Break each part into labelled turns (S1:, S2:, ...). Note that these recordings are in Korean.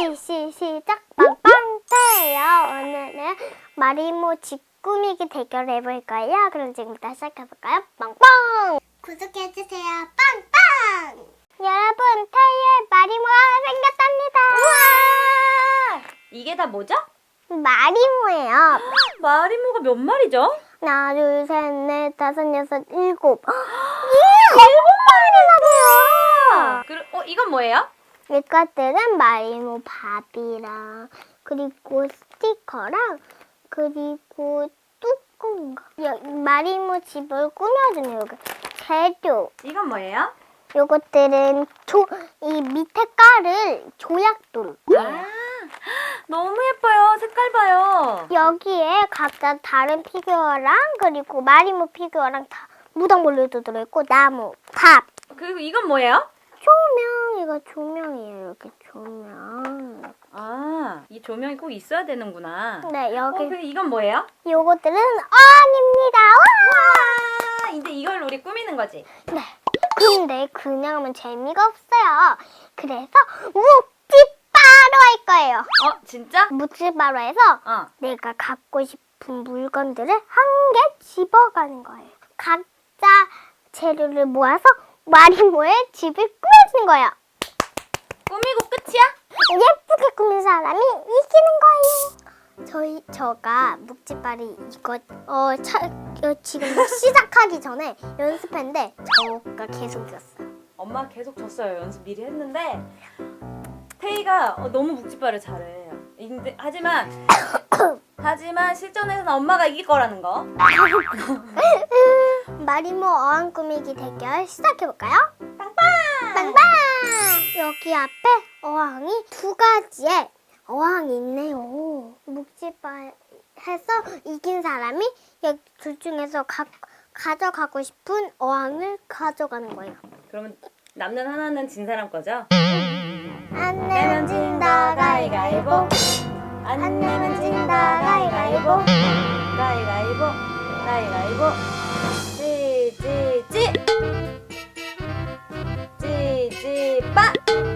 S1: 시작. 빵빵태예요. 오늘은 마리모 집 꾸미기 대결 해볼 거예요. 그럼 지금부터 시작해볼까요? 빵빵! 구독해주세요. 빵빵! 여러분, 태의 마리모가 생겼답니다.
S2: 우와! 이게 다 뭐죠?
S1: 마리모예요.
S2: 마리모가 몇 마리죠?
S1: 하나, 둘, 셋, 넷, 다섯, 여섯, 일곱.
S2: 일곱 마리라고요! 이건 뭐예요?
S1: 이것들은 마리모 밥이랑 그리고 스티커랑 그리고 뚜껑 마리모 집을 꾸며주는 여기 재료.
S2: 이건 뭐예요?
S1: 요것들은 이 밑에 깔을 조약돌.
S2: 아, 너무 예뻐요. 색깔 봐요.
S1: 여기에 각자 다른 피규어랑 그리고 마리모 피규어랑 다 무당벌레도 들어있고 나무, 밥.
S2: 그리고 이건 뭐예요?
S1: 조명. 이거 조명이에요. 이렇게 조명.
S2: 아, 이 조명이 꼭 있어야 되는구나.
S1: 네, 여기.
S2: 그리고 이건 뭐예요?
S1: 요것들은 어항입니다. 와!
S2: 아, 이제 이걸 우리 꾸미는 거지?
S1: 네. 근데 그냥 하면 재미가 없어요. 그래서 묵찌바로 할 거예요.
S2: 진짜?
S1: 묵찌바로 해서 내가 갖고 싶은 물건들을 한 개 집어가는 거예요. 각자 재료를 모아서 마리모의 집을 꾸며주는 거예요.
S2: 꾸미고 끝이야?
S1: 예쁘게 꾸민 사람이 이기는 거예요. 제가 묵찌발이 이거 지금 시작하기 전에 연습했는데 저가 계속 이겼어요.
S2: 엄마 계속 졌어요. 연습 미리 했는데 태희가 너무 묵찌발을 잘해. 하지만 실전에서는 엄마가 이길 거라는 거.
S1: 마리모 어항 꾸미기 대결 시작해볼까요?
S2: 빵빵!
S1: 빵빵! 여기 앞에 어항이 두 가지의 어항이 있네요. 묵찌발 해서 이긴 사람이 여기 둘 중에서 가져가고 싶은 어항을 가져가는 거예요.
S2: 그러면 남는 하나는 진 사람 거죠?
S1: 안 내면 진다 가위가위보. 안 내면 진다 가위가위보.
S2: 가위가위보, 가위가위보. 찌찌찌. 찌찌빠.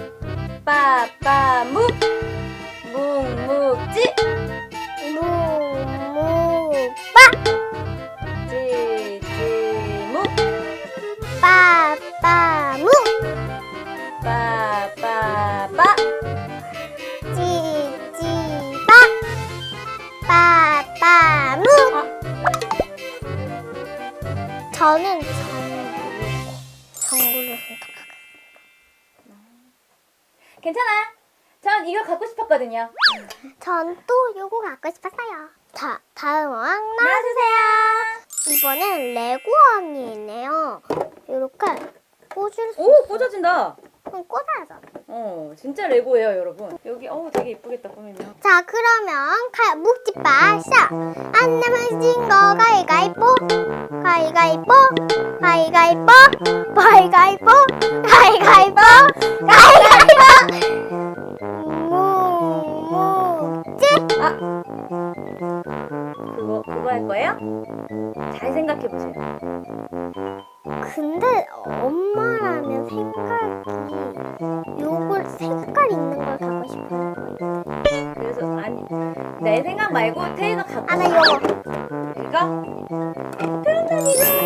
S2: 빠빠묵. 묵묵찌.
S1: 무무빠.
S2: 찌찌묵.
S1: 빠빠무.
S2: 빠빠빠.
S1: 찌찌빠. 빠빠무. 저는 정구를 선택하겠습니다.
S2: 괜찮아. 전 이거 갖고 싶었거든요.
S1: 전 또 요거 갖고 싶었어요. 자, 다음 어항
S2: 나와주세요.
S1: 이번엔 레고 어항이 있네요. 이렇게 꽂을 수
S2: 오, 꽂아진다.
S1: 꽂아야죠.
S2: 진짜 레고예요, 여러분. 여기 되게 예쁘겠다, 꾸미면.
S1: 자, 그러면 묵찌빠 시작. 안 내면 진 거 가위가위보. 가위가위보. 가위가위보. 가위가위보. 가위가위보. 가위가위보. 묵묵찌.
S2: 그거 할 거예요? 잘 생각해보세요.
S1: 근데 엄마라면 색깔 있는 걸 갖고 싶어요.
S2: 그래서, 내 생각 말고 태희가 갖고
S1: 나 요거.
S2: 이거? 그럼 난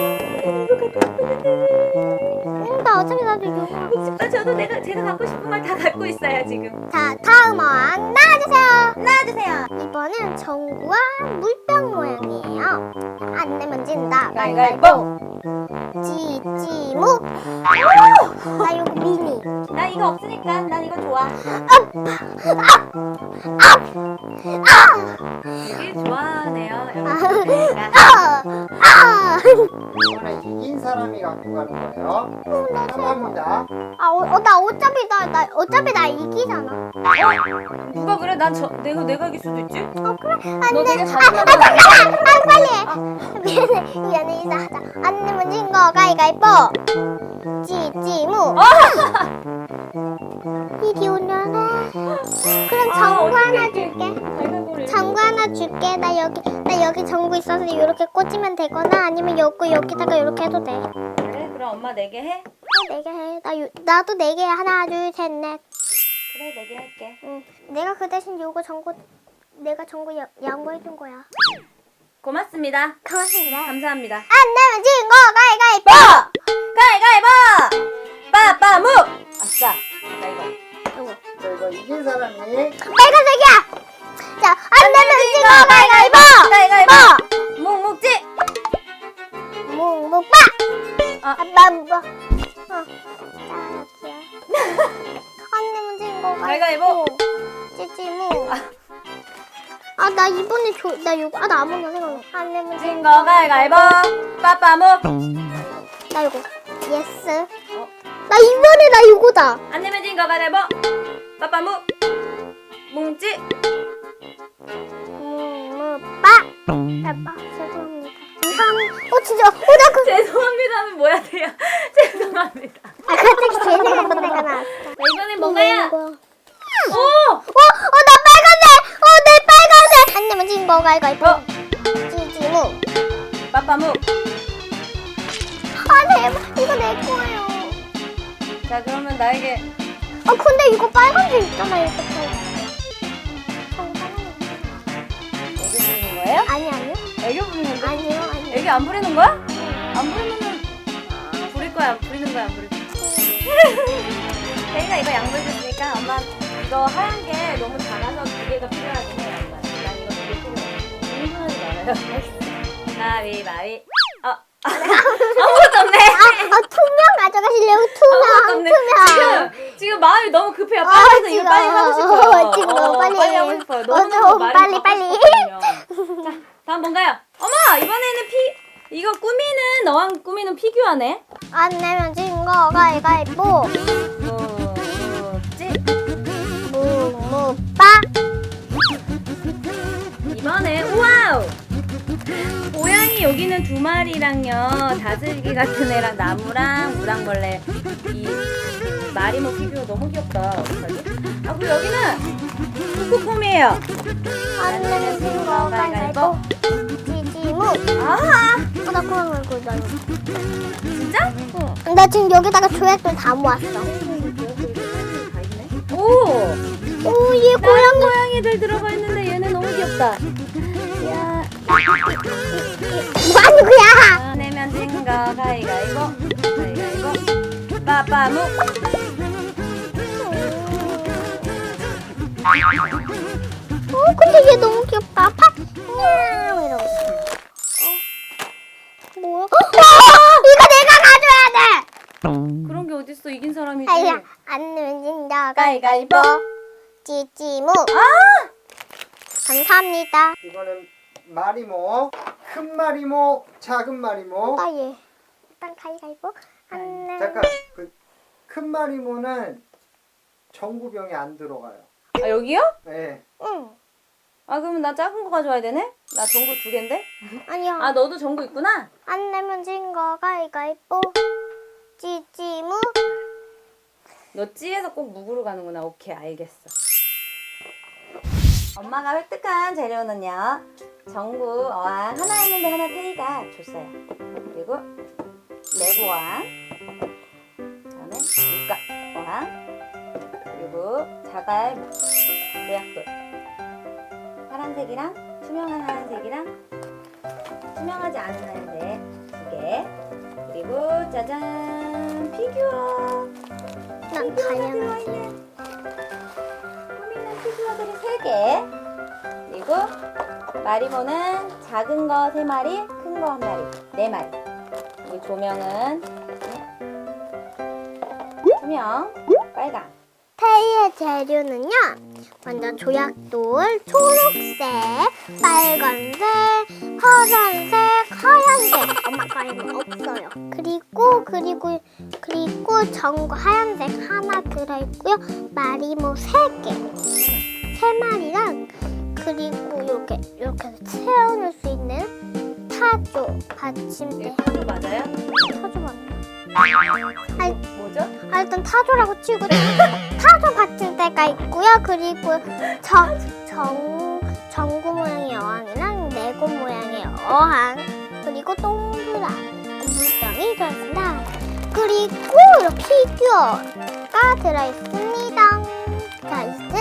S2: 이거.
S1: 나 어차피 나도 요거.
S2: 저도 제가 갖고 싶은 걸 다 갖고 있어요, 지금.
S1: 자, 다음 어항 나와주세요.
S2: 나와주세요.
S1: 이번엔 전구와 물병 모양이에요. 안 내면 진다.
S2: 가위가위보.
S1: 찌찌무. 나 요거 미니.
S2: 나 이거 없으니까 난 이거 좋아. 되게 좋아하네요, 여러분이니까.
S3: 이번에 이긴 사람이 갖고 가는 거예요. 감사합니다.
S1: 나 어차피 나 이기잖아.
S2: 누가 그래? 내가 이길 수도 있지?
S1: 그래?
S2: 너 되게
S1: 잠깐만. 빨리 해. 미안해, 인사하자. 안 내면 진 거 가위가위보. 찌찌무. 이리 오려나? 그럼 전구 하나 줄게. 전구 하나 줄게. 나 여기 전구 있어서 이렇게 꽂으면 되거나 아니면 여기다가 이렇게 해도 돼.
S2: 그래? 그럼 엄마 4개 해?
S1: 4개 해. 나도 4개. 하나, 둘, 셋, 넷.
S2: 그래, 내게 할게.
S1: 응. 내가 그 대신 내가 전구 양보해준 거야.
S2: 고맙습니다.
S1: 고맙습니다.
S2: 감사합니다.
S1: 안 내면 진 거 가위가위보!
S2: 가위가위보! 빠빠무! 아싸. 나 이거.
S1: 요거.
S3: 자, 이거 이긴 사람이
S1: 빨간색이야! 자, 안 내면 진 거 가위가위보!
S2: 가위가위보! 묵묵지!
S1: 묵묵빠! 아빠 묵어. 자, 여기야. 안 내면 진 거
S2: 가위가위보!
S1: 찌찌무. 아, 나 이번에 나 요거, 나 아무나 생각나. 안 내면 진
S2: 진 거 가위가위보! 빠빠무!
S1: 나 요거. 예스. 나 이번에 나 요거다.
S2: 안 내면 진 거 가위바위보! 빠빠무! 묵묵지!
S1: 묵묵빠! 아빠, 죄송합니다. 진짜. 나 그.
S2: 죄송합니다는 뭐야 돼요? 죄송합니다.
S1: 아, 갑자기 제 생각만 내가 나왔어.
S2: 이번엔 뭔가요? 오!
S1: 나 빨간색! 내 빨간색! 안 내면 진 거 가위가위보. 찌찌무.
S2: 빠빠무!
S1: 대박. 이거 내 거예요.
S2: 자, 그러면 나에게
S1: 근데 이거 빨간색 있잖아, 이거.
S2: 애교 부리는 거예요?
S1: 아니요.
S2: 애교 부리는 거?
S1: 아니요.
S2: 애교 안 부리는 거야? 안 부리면은 부릴 거야, 부리는 거야, 안 부릴 거야. 태희가 이거 양보해줬으니까 엄마 이거 하얀 게 너무 작아서 두 개가 필요하긴 해. 엄마. 난 이거 두 개 필요해. 흥분하지 말아요. 가위바위. 아무것도 없네.
S1: 투명 가져가실래요?
S2: 아무것도 없네. 지금 마음이 너무 급해요. 빨리 이거 빨리 하고 싶어요.
S1: 지금 너무 빨리
S2: 하고 싶어요. 너무
S1: 빨리.
S2: 자, 다음 뭔가요? 어머, 이번에는 이거 너랑 꾸미는 피규어네.
S1: 안 내면 진 거 가위가위보.
S2: 묵묵지.
S1: 묵묵빠.
S2: 이번에 우와우. 고양이 여기는 2마리랑요, 다슬기 같은 애랑 나무랑 무당벌레. 이 마리모 피규어 너무 귀엽다. 어떡하지? 그리고 여기는 쿠쿠폼이에요.
S1: 안 내면 진 거 가위가위보. 찌찌무.
S2: 아하.
S1: 나 그만 걸고 나 이거.
S2: 진짜?
S1: 응. 나 지금 여기다가 조약돌 다 모았어.
S2: 오,
S1: 얘
S2: 다른 고양이들 들어가 있는데 얘는 너무 귀엽다. 야,
S1: 뭐 하는 거야?
S2: 내면 진거 가위가위보. 가위가위보. 빠빠무.
S1: 근데 얘 너무 귀엽다. 이러고 있어. 뭐야? 이거 내가 가져야 돼!
S2: 그런 게 어딨어? 이긴 사람이지.
S1: 아야, 안 내면 진다.
S2: 가위가위보.
S1: 찌찌무. 감사합니다.
S3: 이거는 마리모, 큰 마리모, 작은 마리모.
S1: 얘. 일단 가위가위보. 안 내면.
S3: 잠깐, 큰 마리모는 전구병에 안 들어가요.
S2: 아, 여기요?
S3: 네.
S1: 응.
S2: 아, 그러면 나 작은 거 가져와야 되네? 나 전구 2개인데?
S1: 아니야.
S2: 아, 너도 전구 있구나?
S1: 안 내면 진거 가위가위보. 찌찌무.
S2: 너 찌에서 꼭 묵으로 가는구나. 오케이, 알겠어. 엄마가 획득한 재료는요, 전구 어항 하나 있는데 하나 태희가 줬어요. 그리고 레고 어항, 그다음에 육각 어항, 그리고 자갈 모약돌, 파란색이랑 투명한 하얀색이랑 투명하지 않은 하얀색 2개, 그리고 짜잔, 피규어.
S1: 난 다이아몬드.
S2: 꾸미는 피규어들이 3개. 그리고 마리모는 작은 거 3마리, 큰 거 1마리, 4마리. 그리고 조명은 투명, 빨강.
S1: 태희의 재료는요, 먼저 조약돌, 초록색, 빨간색, 파란색, 하얀색. 엄마 거에는 없어요. 그리고 전구 하얀색 하나 들어있고요. 마리모 3개, 3마리랑 그리고 이렇게 세워놓을 수 있는 타조 받침대.
S2: 타조 맞아요?
S1: 타조 맞나?
S2: 뭐죠?
S1: 일단 타조라고 치고 타조 받침대가 있고요. 그리고 전구 모양의 어항이랑 레고 모양의 어항, 그리고 동그란 물병이 들어있습니다. 그리고 이렇게 피규어가 들어있습니다. 자,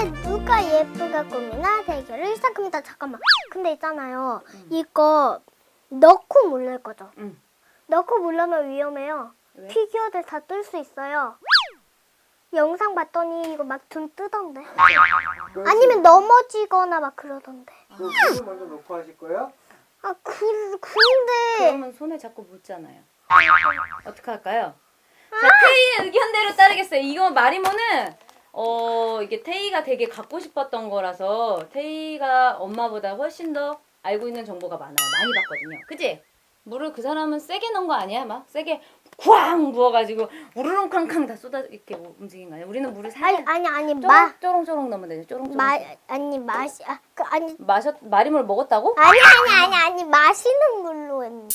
S1: 이제 누가 예쁘게 꾸미나 대결을 시작합니다. 잠깐만. 근데 있잖아요. 이거 넣고 물릴 거죠?
S2: 응.
S1: 넣고 물려면 위험해요.
S2: 왜?
S1: 피규어들 다 뜰 수 있어요. 영상 봤더니 이거 막 돈 뜨던데. 아니면 넘어지거나 막 그러던데.
S3: 물을 먼저 놓고 하실 거예요?
S1: 아, 근데.
S2: 그러면 손에 자꾸 묻잖아요. 어떻게 할까요? 자, 태희의 의견대로 따르겠어요. 이거 마리모는 이게 태희가 되게 갖고 싶었던 거라서 태희가 엄마보다 훨씬 더 알고 있는 정보가 많아요. 많이 봤거든요. 그치? 물을 그 사람은 세게 넣은 거 아니야? 막 세게 쾅 부어가지고 우르릉쾅쾅 다 쏟아 이렇게 움직인 거 아니야? 우리는 물을 살짝
S1: 아니,
S2: 쪼롱쪼롱 넣으면 되죠. 쪼롱쪼롱.
S1: 맛이, 아니.
S2: 마리모를 먹었다고?
S1: 아니, 마시는 물로 했는데.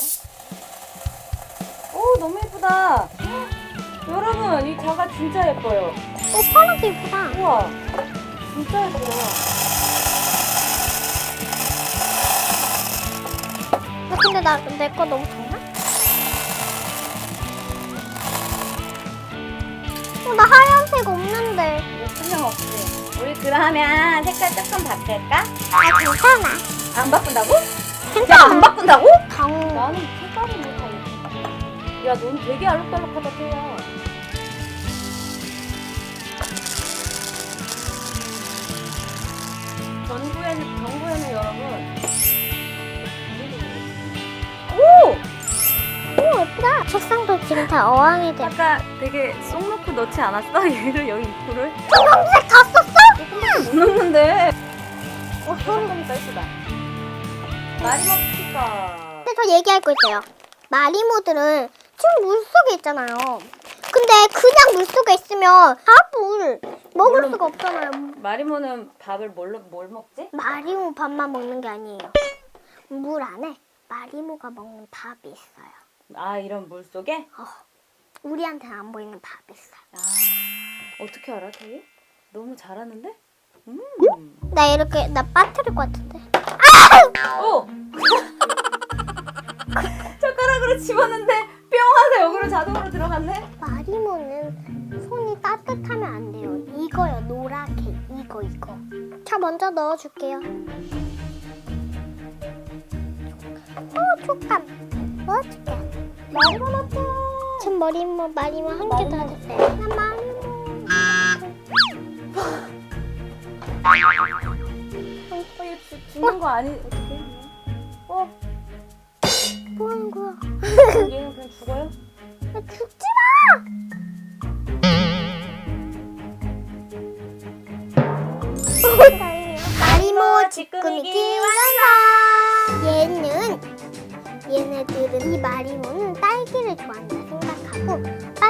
S2: 오, 너무 예쁘다. 여러분, 이 자가 진짜 예뻐요.
S1: 파란색 이쁘다.
S2: 우와, 진짜 예쁘다.
S1: 근데 내 거 너무 좋나? 나 하얀색 없는데.
S2: 이거 설명 없지. 우리 그러면 색깔 조금 바꿀까?
S1: 괜찮아.
S2: 안 바꾼다고?
S1: 괜찮아.
S2: 안 바꾼다고?
S1: 당.
S2: 나는 색깔이 뭐 다 예쁘다. 야, 넌 되게 알록달록하다, 태야. 전구에는 여러분.
S1: 오, 예쁘다. 책상도 지금 다 어항이 돼.
S2: 아까 되게 쏙 넣고 넣지 않았어? 얘를 여기 입구를?
S1: 초록색 다 썼어?
S2: 못 넣는데.
S1: 소리.
S2: 조금 더 예쁘다. 마리모 스티커.
S1: 근데 저 얘기할 거 있어요. 마리모들은 지금 물속에 있잖아요. 근데 그냥 물속에 있으면 밥을 먹을
S2: 물론-
S1: 수가 없잖아요.
S2: 마리모는 밥을 뭘 먹지?
S1: 마리모 밥만 먹는 게 아니에요. 물 안에 마리모가 먹는 밥이 있어요.
S2: 아, 이런 물 속에?
S1: 우리한테는 안 보이는 밥이 있어요.
S2: 아, 어떻게 알아, 태희? 너무 잘하는데?
S1: 나 빠뜨릴 것 같은데.
S2: 오! 젓가락으로 집었는데 뿅 하서 여기로 자동으로 들어갔네?
S1: 마리모는 손이 따뜻하면 안 돼요. 이거요, 노랗게. 이거. 자, 먼저 넣어줄게요. 촉감. 넣어줄게.
S2: 마리모 났다.
S1: 전 마리모 한 개 더 주세요. 나 마리모.
S2: 얘 죽는 거 아니? 어떡해?
S1: 뭐 하는 거야?
S2: 얘는 그냥 죽어요?
S1: 야, 죽지 마! 마리모 쥐꾸미기 완성! 얘네들은 이 마리모는 딸기를 좋아한다 생각하고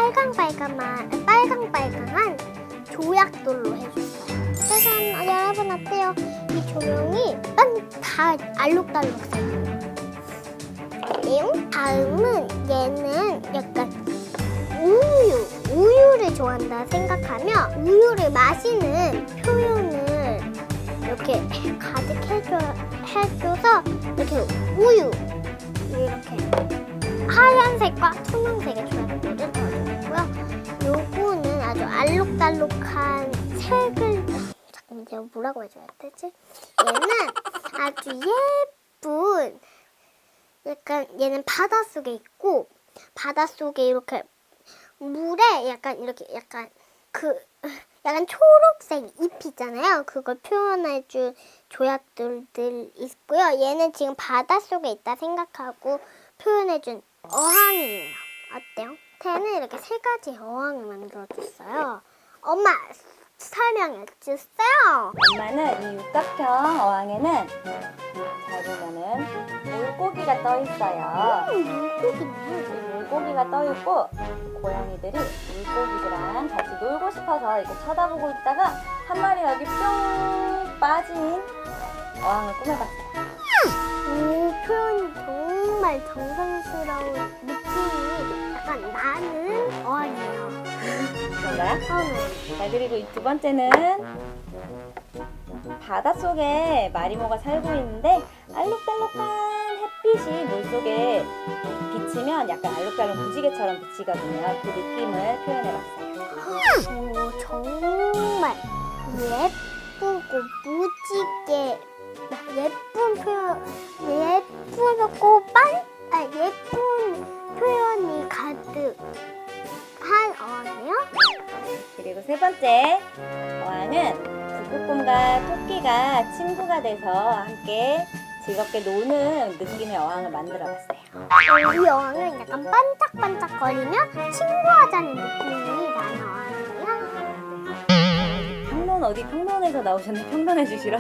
S1: 빨강빨강한 조약돌로 해줬어요. 짜잔! 여러분 어때요? 이 조명이 다 알록달록해요. 다음은 얘는 약간 우유를 좋아한다 생각하며 우유를 마시는 표현을 이렇게 가득 해줘서 이렇게 우유 이렇게 하얀색과 투명색의 조합을 넣어줬고요. 요거는 아주 알록달록한 색을 잠깐 이제 뭐라고 해줘야 되지? 얘는 아주 예쁜 약간 얘는 바닷속에 있고 바닷속에 이렇게 물에 약간 초록색 잎 있잖아요. 그걸 표현해준 조약돌들 있고요. 얘는 지금 바닷속에 있다 생각하고 표현해준 어항이에요. 어때요? 걔는 이렇게 세 가지 어항을 만들어줬어요. 엄마 설명해주세요.
S2: 엄마는 이 육각형 어항에는 잘 보면은 물고기가 떠 있어요.
S1: 물고기네.
S2: 이 물고기가 떠 있고 고양이들이 물고기들랑 같이 놀고 싶어서 이렇게 쳐다보고 있다가 한 마리가 여기 뿅 빠진 어항을 꾸며봤어요.
S1: 오, 표현이 정말 정성스러운 느낌이 약간 나는 어항이에요.
S2: 그런가요?
S1: 처음에.
S2: 자, 그리고 이 두 번째는 바닷속에 마리모가 살고 있는데 알록달록한 햇빛이 물속에 비치면 약간 알록달록 무지개처럼 비치거든요. 그 느낌을 표현해봤어요.
S1: 오, 정말
S2: 세 번째 어항은 북극곰과 토끼가 친구가 돼서 함께 즐겁게 노는 느낌의 어항을 만들어봤어요.
S1: 이 어항은 약간 반짝반짝거리며 친구하자는 느낌이 나는 어항이에요.
S2: 평론 어디 평론에서 나오셨나? 평론해 주시러.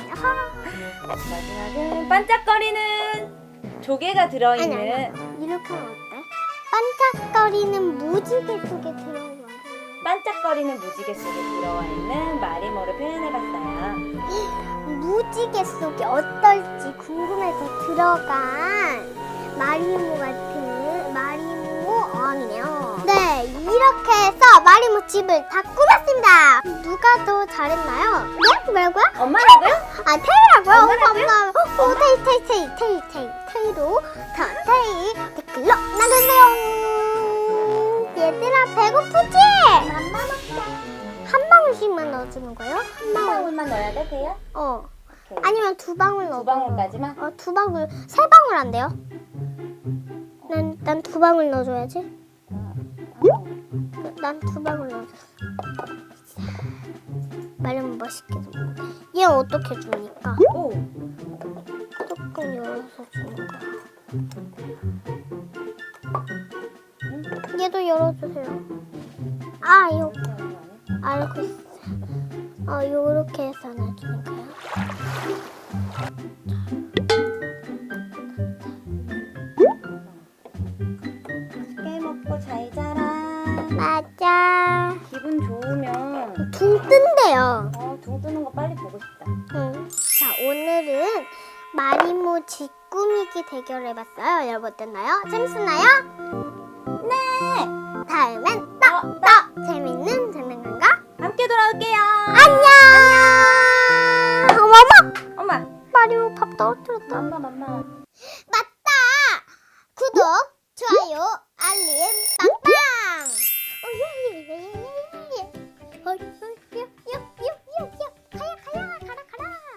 S2: 마지막은 반짝거리는 조개가 들어있는
S1: 아니. 이렇게 하면 어때? 반짝거리는 무지개 속에 들어온 거.
S2: 반짝거리는 무지개 속에 들어와 있는 마리모를 표현해봤어요.
S1: 무지개 속에 어떨지 궁금해서 들어간 마리모 같은 마리모 어항이네요. 네, 이렇게 해서 마리모 집을 다 꾸몄습니다. 누가 더 잘했나요? 네? 뭐라고요?
S2: 엄마라고요?
S1: 아, 테이라고요?
S2: 엄마라고요?
S1: 테이로 테이 댓글로 남겨주세요. 얘들아, 배고프지? 맘마 먹자. 한 방울씩만 넣어주는 거예요?
S2: 한 방울만 넣어야 돼, 돼요? 오케이.
S1: 아니면 두 방울 넣어.
S2: 두 방울까지만?
S1: 두 방울, 세 방울 안 돼요? 난 두 방울 넣어줘야지. 난 두 방울 넣어줘. 말하면 맛있게 좀. 얘 어떻게 줍니까?
S2: 오!
S1: 조금 열어서 주는 거야. 얘도 열어주세요. 아, 이거 알고 있어. 요렇게 해서 놔주는 거야.
S2: 맛있게 먹고 잘 자라.
S1: 맞아.
S2: 기분 좋으면
S1: 둥 뜬대요.
S2: 둥 뜨는 거 빨리 보고 싶다.
S1: 응. 자, 오늘은 마리모 집 꾸미기 대결 해봤어요. 여러분 어땠나요? 재밌었나요? 네. 다음엔 또 재밌는 장난감과
S2: 함께 돌아올게요.
S1: 안녕. 어머머.
S2: 엄마.
S1: 마리모 밥 떨어뜨렸다.
S2: 엄마.